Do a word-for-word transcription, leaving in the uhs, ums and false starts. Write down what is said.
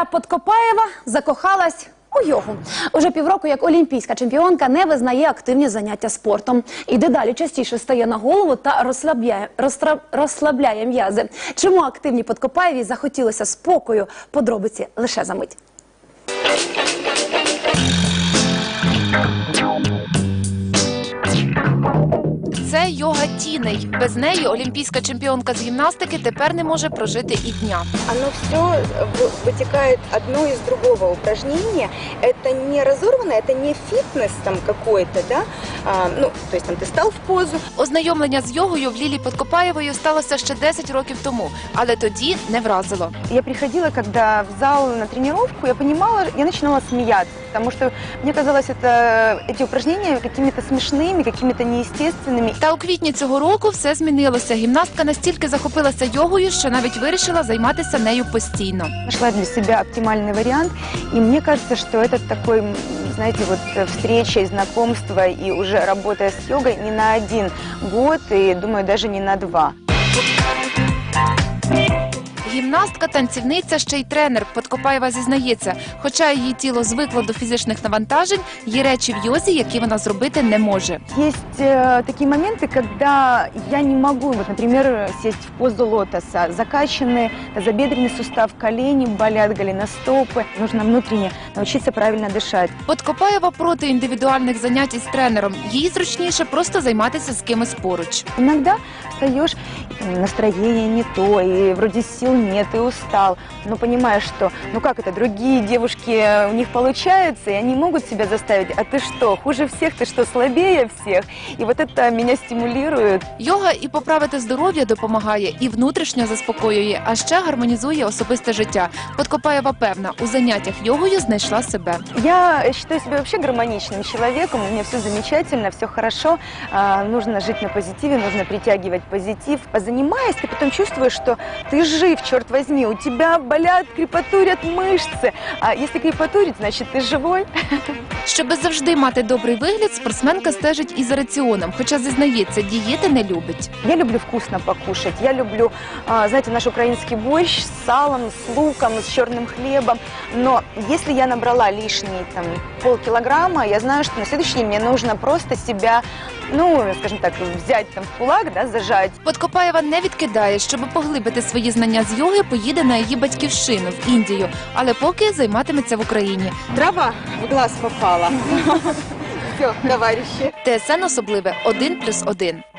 Юлія Подкопаєва закохалась у йогу. Уже півроку як олімпійська чемпіонка не визнає активні заняття спортом. І дедалі частіше стає на голову та розслабляє, розтра, розслабляє м'язи. Чому активній Подкопаєвій захотілося спокою? Подробиці лише за мить. Це йога тіней. Без неї олімпійська чемпіонка з гімнастики тепер не може прожити і дня. Оно все вытекает одно из другого упражнения. Это не разорвано, это не фитнес там какой-то, да? А, ну, то есть там ты стал в позу. Ознайомлення з йогою в Лілі Подкопаєвої сталося ще десять років тому, але тоді не вразило. Я приходила, когда в зал на тренировку, я понимала, я начинала смеяться, потому что мне казалось, это, эти упражнения какими-то смешными, какими-то неестественными. Та у квітні цього року все змінилося. Гімнастка настільки захопилася йогою, що навіть вирішила займатися нею постійно. Нашла для себя оптимальный вариант, и мне кажется, что это такой, знаете, вот встреча и знакомство, и уже работая с йогой не на один год, и, думаю, даже не на два. Гімнастка, танцівниця, ще й тренер. Подкопаєва зізнається, хоча її тіло звикло до фізичних навантажень, є речі в йозі, які вона зробити не може. Есть э, такие моменты, когда я не могу, вот, например, сесть в позу лотоса. Закачанный тазобедренный сустав, колени болят, голеностопы. Нужно внутренне научиться правильно дышать. Подкопаєва проти індивідуальних занять із тренером. Їй зручніше просто займатися з кимось поруч. Иногда встаешь, настроение не то, и вроде сил нет, и устал. Но понимаешь, что, ну как это, другие девушки, у них получается, и они могут себя заставить. А ты что, хуже всех, ты что, слабее всех? И вот это меня стимулирует. Йога і поправити здоров'я допомагає, і внутрішньо заспокоює, а ще гармонізує особисте життя. Подкопаєва певна, у заняттях йогою знайшла себе. Я считаю себя вообще гармоничным человеком, у меня все замечательно, все хорошо. А, нужно жить на позитиве, нужно притягивать позитив. Позанимаясь, ты потом чувствуешь, что ты жив, черт возьми, у тебя болят, крепатурят мышцы. А если крепатурит, значит ты живой. Щоби завжди мати добрий вигляд, спортсменка стежить і за раціоном, хоча зізнається, дієти не любить. Я люблю вкусно покушать, я люблю, а, знаете, наш украинский борщ с салом, с луком, с черным хлебом. Но если я набрала лишние там полкилограмма, я знаю, что на следующий день мне нужно просто себя, ну, скажем так, взять там в кулак, да, зажать. Подкопаєва не відкидає, щоб поглибити свої знання з йоги, поїде на її батьківщину в Індію, але поки займатиметься в Україні. Трава в глаз попала. Все, товарищи. ТСН особливе один плюс один.